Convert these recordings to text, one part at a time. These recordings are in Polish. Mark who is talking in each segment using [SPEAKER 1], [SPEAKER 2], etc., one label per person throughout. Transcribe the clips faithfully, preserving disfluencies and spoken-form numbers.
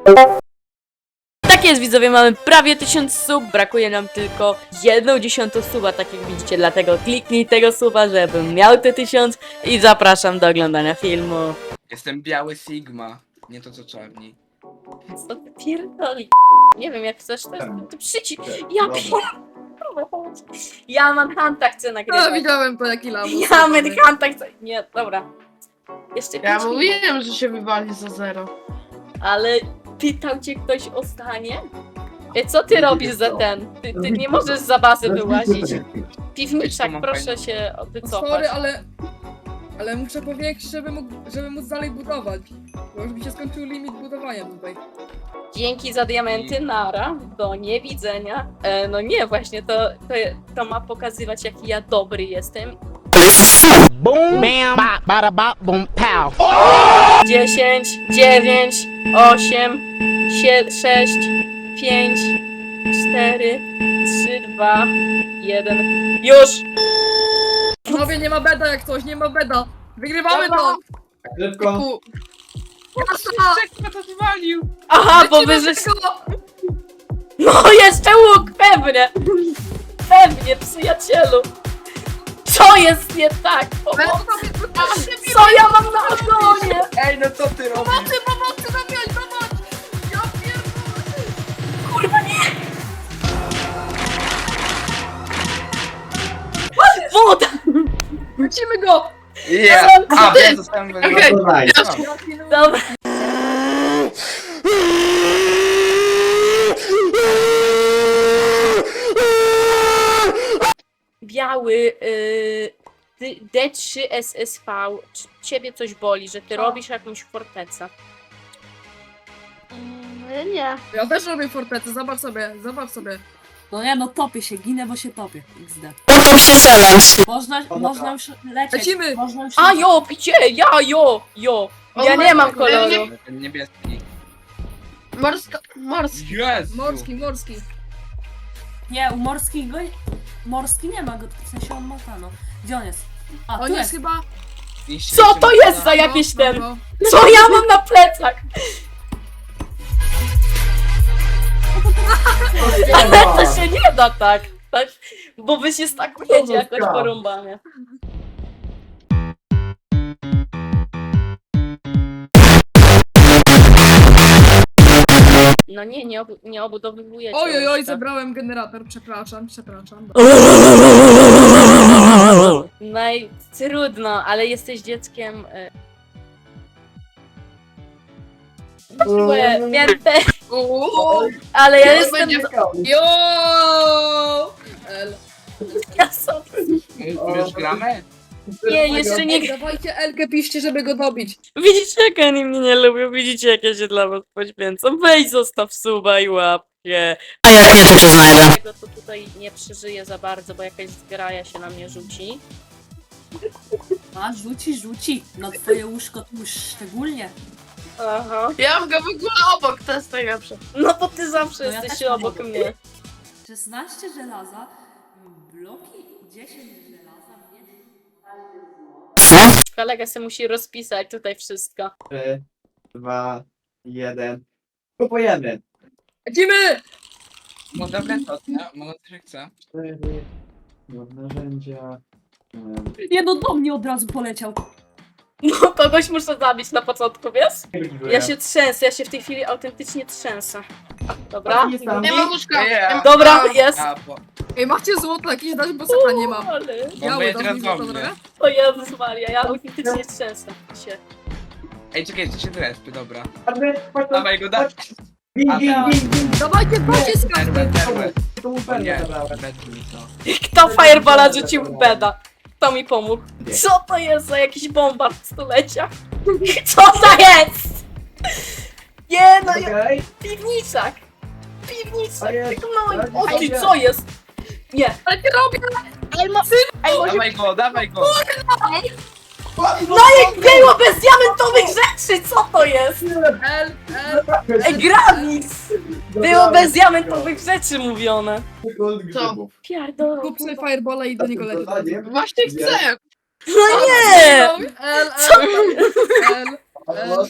[SPEAKER 1] Tak jest, widzowie, mamy prawie tysiąc sub, brakuje nam tylko jedną dziesiątą suba, tak jak widzicie, dlatego kliknij tego suba, żebym miał te tysiąc i zapraszam do oglądania filmu.
[SPEAKER 2] Jestem biały Sigma, nie to co czarni.
[SPEAKER 1] Co ty pierdoli? Nie wiem, jak chcesz, to jest to przycisk. Ja pierdolę. Ja Manhunta chcę
[SPEAKER 3] No,
[SPEAKER 1] nagrywać.
[SPEAKER 3] widziałem po jaki lamus.
[SPEAKER 1] Ja Manhunta chcę... Nie, dobra. Jeszcze
[SPEAKER 3] Ja
[SPEAKER 1] pięć minut.
[SPEAKER 3] mówiłem, że się wywali za zero.
[SPEAKER 1] Ale pytał cię ktoś o stanie? E, co ty robisz za ten? Ty, ty nie możesz za bazę wyłazić. Piwniczak, proszę się wycofać.
[SPEAKER 3] Sorry, ale... Ale muszę powiększyć, żeby, mógł, żeby móc dalej budować. Bo już mi się skończył limit budowania tutaj.
[SPEAKER 1] Dzięki za diamenty, nara, do niewidzenia. E, no nie, właśnie to, to, to ma pokazywać, jaki ja dobry jestem.
[SPEAKER 4] Boom, bam, bop, bada bop, boom, pow.
[SPEAKER 1] dziesięć, dziewięć, osiem, sześć, pięć, cztery, trzy, dwa, jeden. Już!
[SPEAKER 3] Panowie, nie ma beda jak coś, nie ma beda. Wygrywamy to!
[SPEAKER 5] Szybko.
[SPEAKER 3] Ku... Jasna!
[SPEAKER 2] Czekaj, to zwalił!
[SPEAKER 1] Aha, bo
[SPEAKER 3] Lecimy
[SPEAKER 1] wy żeś...
[SPEAKER 3] szybko!
[SPEAKER 1] No jeszcze łuk, pewnie! Pewnie, przyjacielu! Co jest nie tak?
[SPEAKER 3] Beda,
[SPEAKER 1] Pomocy.
[SPEAKER 3] pomocy,
[SPEAKER 1] Co ja mam na ogonie?
[SPEAKER 2] Ej, no co ty robisz?
[SPEAKER 3] pomocy, pomocy, zabijać, zobacz! Ja pierdolę!
[SPEAKER 1] Kurwa nie! Woda!
[SPEAKER 3] Lecimy go!
[SPEAKER 2] Yeah. A, wiem, zostałem go
[SPEAKER 3] Okej.
[SPEAKER 5] Dawaj.
[SPEAKER 1] Dobra. Biały y, D trzy S S V. Czy ciebie coś boli, że ty
[SPEAKER 3] Co?
[SPEAKER 1] robisz jakąś fortecę?
[SPEAKER 6] Mm, nie.
[SPEAKER 3] Ja też robię fortecę, zobacz sobie, zobacz sobie.
[SPEAKER 7] No nie, no topię się, ginę, bo się topię. X D.
[SPEAKER 1] Potem się challenge.
[SPEAKER 7] Można, można już lecieć.
[SPEAKER 3] Lecimy!
[SPEAKER 7] Można już
[SPEAKER 1] A jo, picie, ja jo, jo. Ja nie mam koloru.
[SPEAKER 2] Ten niebieski.
[SPEAKER 6] Morska, morski.
[SPEAKER 2] Jezu!
[SPEAKER 3] Morski, morski.
[SPEAKER 7] Nie, u morskich go... Morski nie ma go, w sensie on ma tano. Gdzie on jest? A,
[SPEAKER 3] On
[SPEAKER 7] tu
[SPEAKER 3] jest
[SPEAKER 7] jest.
[SPEAKER 3] chyba...
[SPEAKER 2] Niszczy
[SPEAKER 1] Co
[SPEAKER 2] się
[SPEAKER 1] to
[SPEAKER 2] na-
[SPEAKER 1] jest za jakiś
[SPEAKER 3] No,
[SPEAKER 1] ten?
[SPEAKER 3] no,
[SPEAKER 1] Co ja mam na plecach? Ale to się nie da tak. tak? Bo wy się stakujecie jakoś porąbanie. No nie, nie, obu nie obudowywujecie.
[SPEAKER 3] Oj, oj, oj,
[SPEAKER 1] jeszcze.
[SPEAKER 3] zebrałem generator, przepraszam, przepraszam.
[SPEAKER 1] No i trudno, ale jesteś dzieckiem. y. Łe, Wiem te,
[SPEAKER 3] Uuu,
[SPEAKER 1] ale ja
[SPEAKER 3] to
[SPEAKER 1] jestem.
[SPEAKER 3] będzie- Jo! El.
[SPEAKER 1] Ja sobie.
[SPEAKER 2] My już gramy?
[SPEAKER 1] Nie, jeszcze nie.
[SPEAKER 3] Dawajcie Elkę, piszcie, żeby go dobić.
[SPEAKER 1] Widzicie, jak oni mnie nie lubią, widzicie, jak ja się dla was poświęcam. Weź, zostaw suba i łapkę. A ja kiedy się znajdę? Tego to tutaj nie przeżyję za bardzo, bo jakaś zgraja się na mnie rzuci.
[SPEAKER 7] A, rzuci, rzuci. Na twoje łóżko tu już szczególnie.
[SPEAKER 1] Aha.
[SPEAKER 6] Ja mam go w ogóle obok, to jest najlepsze.
[SPEAKER 1] No to ty zawsze
[SPEAKER 7] No ja
[SPEAKER 1] jesteś
[SPEAKER 7] też mam
[SPEAKER 1] obok
[SPEAKER 7] obok.
[SPEAKER 1] mnie.
[SPEAKER 7] szesnaście żelaza, bloki, dziesięć żelaza, nie?
[SPEAKER 1] Kolega se musi rozpisać tutaj wszystko.
[SPEAKER 5] Trzy, dwa, jeden. Kupujemy.
[SPEAKER 3] Lecimy!
[SPEAKER 2] No dobra, to ja mogę też chcę.
[SPEAKER 5] Cztery. Narzędzia. em,
[SPEAKER 7] Nie, no do mnie od razu poleciał.
[SPEAKER 1] No kogoś muszę zabić na początku, wiesz? Ja się trzęsę, ja się w tej chwili autentycznie trzęsę. Dobra?
[SPEAKER 6] Nie ma łóżka.
[SPEAKER 2] Yeah.
[SPEAKER 1] Dobra, jest.
[SPEAKER 2] A, bo...
[SPEAKER 3] Ej, macie złoto jakieś dać, bo seta nie mam.
[SPEAKER 1] Ale...
[SPEAKER 2] Bo
[SPEAKER 3] Ja
[SPEAKER 2] my
[SPEAKER 3] dam mi
[SPEAKER 2] teraz
[SPEAKER 3] złoto,
[SPEAKER 2] do mnie.
[SPEAKER 3] dobra?
[SPEAKER 1] O Jezus Maria, ja autentycznie trzęsę się.
[SPEAKER 2] Ej, czekaj, to się drespy, dobra.
[SPEAKER 5] Chodźmy, chodź tu.
[SPEAKER 2] Dawaj go, dawaj.
[SPEAKER 5] Gin, gin, gin, gin.
[SPEAKER 3] Dawajcie pocisk!
[SPEAKER 2] Perłę, perłę.
[SPEAKER 5] Tu mu
[SPEAKER 2] O
[SPEAKER 5] perłę
[SPEAKER 2] nie,
[SPEAKER 5] zabrałem.
[SPEAKER 2] bez mi to.
[SPEAKER 1] Kto fireballa rzucił w beda? Kto mi pomógł? Co to jest za jakiś bombard stulecia? Co to jest? Nie no, ja...
[SPEAKER 5] Okej.
[SPEAKER 1] piwniczak! Piwniczak,
[SPEAKER 5] A jest,
[SPEAKER 1] tylko mały...
[SPEAKER 5] tak,
[SPEAKER 1] O ty,
[SPEAKER 5] jest.
[SPEAKER 1] co jest? Nie.
[SPEAKER 3] Ale nie robię!
[SPEAKER 1] Ej, ma... Ej, może...
[SPEAKER 2] Dawaj go, dawaj go.
[SPEAKER 1] No jak było bez diamentowych rzeczy, co to jest?
[SPEAKER 3] El, el.
[SPEAKER 1] Ej, Gravix! Było bez diamentowych rzeczy mówione.
[SPEAKER 5] Gold grzybów.
[SPEAKER 1] Pierdolę.
[SPEAKER 3] Kup sobie fireballa i do niego leci.
[SPEAKER 6] Właśnie chcę.
[SPEAKER 1] No nie!
[SPEAKER 3] El, el,
[SPEAKER 1] Co?
[SPEAKER 3] el, el.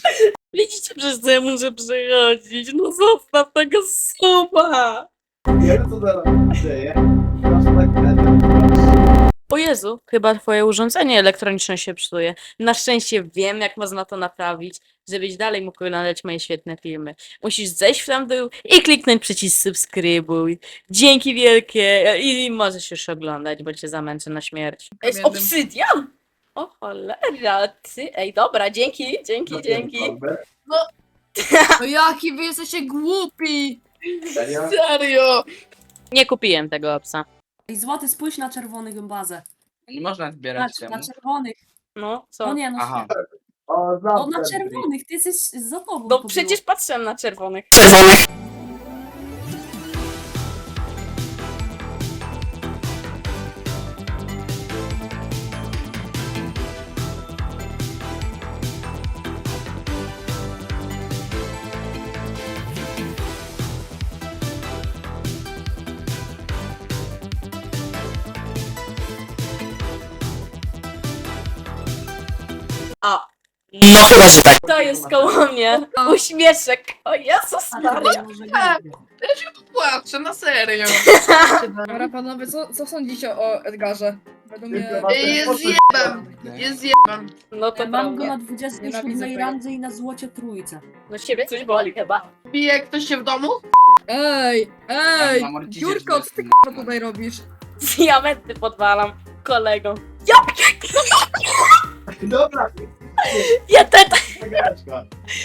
[SPEAKER 1] Widzicie, przez co ja muszę przechodzić? No zostaw tego suba!
[SPEAKER 5] Nie wiem co zaraz się dzieje. Proszę tak będę.
[SPEAKER 1] O Jezu, chyba twoje urządzenie elektroniczne się psuje. Na szczęście wiem, jak można to naprawić, żebyś dalej mógł oglądać moje świetne filmy. Musisz zejść w tam dół i kliknąć przycisk subskrybuj. Dzięki wielkie i możesz już oglądać, bo cię zamęczę na śmierć. Jest
[SPEAKER 3] Kamiennym.
[SPEAKER 1] obsydian! O cholera, ty, ej dobra, dzięki, dzięki, dzięki.
[SPEAKER 3] No jaki wy jesteście głupi!
[SPEAKER 5] Serio?
[SPEAKER 6] Serio.
[SPEAKER 1] Nie kupiłem tego obsa.
[SPEAKER 7] Ej, złoty, spójrz na czerwonych bazę.
[SPEAKER 2] Nie można zbierać
[SPEAKER 7] Na,
[SPEAKER 2] temu.
[SPEAKER 7] na czerwonych.
[SPEAKER 1] No, co?
[SPEAKER 7] No nie, no,
[SPEAKER 2] Aha.
[SPEAKER 5] O,
[SPEAKER 7] o,
[SPEAKER 5] znam
[SPEAKER 7] na
[SPEAKER 5] ten
[SPEAKER 7] czerwonych, ty jesteś za tobą.
[SPEAKER 1] No
[SPEAKER 7] to
[SPEAKER 1] przecież patrzyłem na czerwonych. A. No chyba, że tak. To jest koło mnie. Uśmieszek. O Jezus
[SPEAKER 7] było.
[SPEAKER 1] Maria.
[SPEAKER 7] Może
[SPEAKER 6] Tak.
[SPEAKER 7] nie.
[SPEAKER 6] Ja się popłaczę, na serio.
[SPEAKER 3] Dobra panowie, co, co sądzicie o Edgarze? Według mnie...
[SPEAKER 5] Tylko
[SPEAKER 6] Ej, Jest
[SPEAKER 5] Poszedł-
[SPEAKER 6] zjebem. Jest zjebem.
[SPEAKER 1] No to
[SPEAKER 7] Ja mam go
[SPEAKER 1] prawda.
[SPEAKER 7] na dwudziestej
[SPEAKER 3] Nienawidzę
[SPEAKER 7] siódmej
[SPEAKER 3] tego.
[SPEAKER 7] randze i na złocie trójce.
[SPEAKER 1] No ciebie coś boli chyba.
[SPEAKER 6] Bije ktoś się w domu?
[SPEAKER 3] Ej, ej!
[SPEAKER 2] Ja na mordzicie,
[SPEAKER 3] Jurko,
[SPEAKER 2] że
[SPEAKER 3] co ty
[SPEAKER 2] jestem
[SPEAKER 3] k***a tutaj robisz?
[SPEAKER 1] Diamenty podwalam kolego.
[SPEAKER 5] Dobra,
[SPEAKER 1] Ja te...
[SPEAKER 5] wygraczka.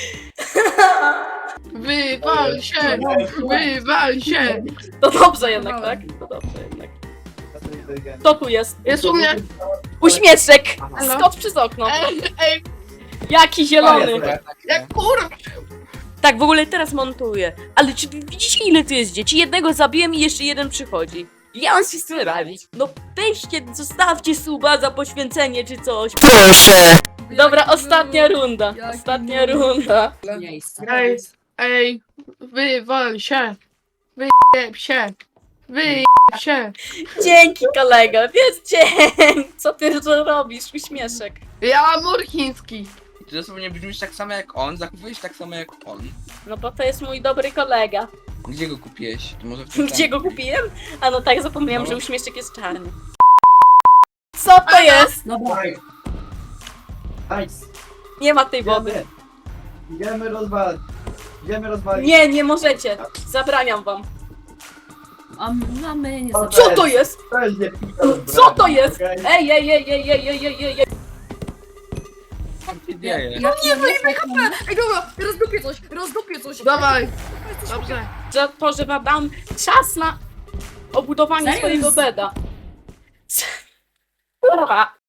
[SPEAKER 6] Wywal się! Wywal się!
[SPEAKER 1] To dobrze jednak, tak? To dobrze jednak. Kto tu jest?
[SPEAKER 6] Jest u mnie.
[SPEAKER 1] Uśmieszek!
[SPEAKER 6] Halo?
[SPEAKER 1] Skocz przez okno.
[SPEAKER 6] Ej, ej,
[SPEAKER 1] Jaki zielony.
[SPEAKER 6] jak kurwa!
[SPEAKER 1] Tak, w ogóle teraz montuję. Ale czy wy widzicie ile tu jest dzieci? Jednego zabiłem i jeszcze jeden przychodzi. Ja mam się z tym radzić. No weźcie, zostawcie suba za poświęcenie czy coś. Proszę. Dobra,
[SPEAKER 3] Jaki
[SPEAKER 1] ostatnia
[SPEAKER 3] noob,
[SPEAKER 1] runda.
[SPEAKER 3] jaki
[SPEAKER 1] Ostatnia
[SPEAKER 3] noob.
[SPEAKER 1] runda.
[SPEAKER 7] Miejsce.
[SPEAKER 6] Ej, ej, wywal się! Wyjeb się! Wyjeb się!
[SPEAKER 1] Dzięki kolego, wiesz dzień. Co ty tu robisz? Uśmieszek.
[SPEAKER 6] Ja mam mur chiński.
[SPEAKER 2] Ty dosłownie brzmisz tak samo jak on, zachowujesz tak samo jak on.
[SPEAKER 1] No bo to jest mój dobry kolega.
[SPEAKER 2] Gdzie go kupiłeś? To może w tym
[SPEAKER 1] Gdzie go
[SPEAKER 2] samym-
[SPEAKER 1] kupiłem? A no tak, zapomniałam,
[SPEAKER 2] No.
[SPEAKER 1] że uśmieszek jest czarny. Co to jest?
[SPEAKER 7] Dobra,
[SPEAKER 5] Nice. Nice.
[SPEAKER 1] Nie ma tej wody.
[SPEAKER 5] Idziemy. Idziemy rozwalić. Idziemy rozwalić.
[SPEAKER 1] Nie, nie możecie. Zabraniam wam.
[SPEAKER 7] a, m- a my nie
[SPEAKER 5] O,
[SPEAKER 7] zobaczymy.
[SPEAKER 1] Co to jest?
[SPEAKER 5] Weźcie pizza z
[SPEAKER 1] Co to
[SPEAKER 5] brani,
[SPEAKER 1] jest?
[SPEAKER 5] okej?
[SPEAKER 1] Ej, ej, ej, ej, ej, ej, ej, ej, ej.
[SPEAKER 2] Co się dzieje?
[SPEAKER 7] Jak nie wyjmę
[SPEAKER 3] Ej, dobra, rozdupię coś, rozdupię coś!
[SPEAKER 6] Dawaj. Dobrze.
[SPEAKER 1] Za to, że wam dam czas na obudowanie
[SPEAKER 7] Serio?
[SPEAKER 1] swojego beda. Kurwa.